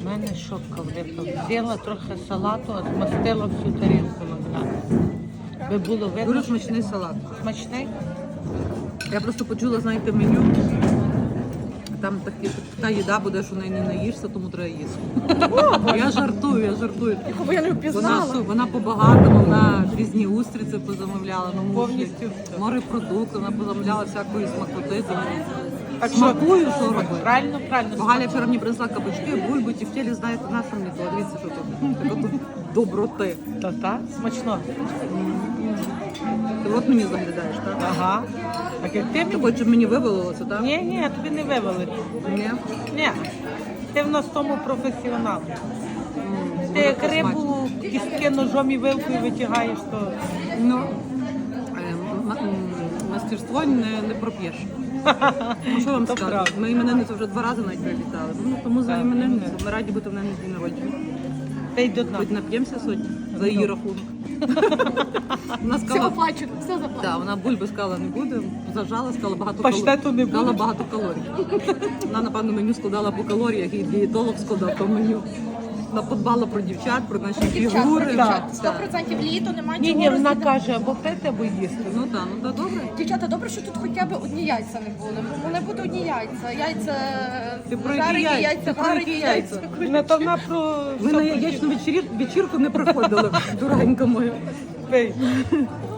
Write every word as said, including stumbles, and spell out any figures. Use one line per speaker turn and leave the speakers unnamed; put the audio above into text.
У мене шопка влипла. Взяла трохи салату, а змастила всю тарілку наглядно. Би було видно.
Дуже
що
смачний салат.
Смачний?
Я просто почула, знаєте, меню. Там такі, така їда буде, що неї не наїшся, тому треба їсти. Я жартую, я жартую.
Бо я не
Вона,
впізнала.
су- вона по-багатому, вона різні устриці позамовляла, ну,
Повністю все.
морепродукти, вона позамовляла всякої смакоти. Тому
Так що-
смакую, що робити.
Правильно, правильно.
Бо Галя вчора мені принесла кабачки, бульбу, тефтелі, знаєте, на що мені то, дивіться, що тут. Така тут доброти.
Та та смачно.
Ти от мені заглядаєш, так?
Ага. Так як ти
Ти
мені?
хочеш, щоб мені вивалилося, так?
Ні, ні, тобі не вивели.
Ні?
Ні. Ти в нас в тому професіонал.
М,
Ти як
дуже смачно.
рибу кістки ножом і вилкою витягаєш, то
Ну, е, м- м- мастерство не, не проп'єш. Ну, що вам
То
сказати?
правда.
Ми іменинницю вже два рази навіть привітали. Ну, тому за
Так,
іменинницю ми раді бути в неї на день народження.
ти й до дна.
Хоч нап'ємося сьогодні за її рахунок. Вона
Все
сказала,
оплачу, все заплачу.
да, вона бульби сказала не буде, зажала, сказала багато
Паштету не
сказала
буде?
багато калорій. Вона, напевно, меню складала по калоріях, і дієтолог складав то меню. Вона подбала про дівчат, про наші
Дівчат, про
фігури.
дівчат.
Так.
сто відсотків літо, немає
Ні,
чого
ні, вона
розділяти.
каже, або пити, або їсти.
Ну так, ну так, добре.
Дівчата, добре, що тут хоча б одні яйця не були. Бо вони будуть одні яйця. Яйця
Ти про які
жарені,
яйця?
яйця
Ти про які
варені,
яйця?
яйця.
Не то вона про
Ви на яєчну вечір- вечірку не приходили, дорогенька моя.
Пий.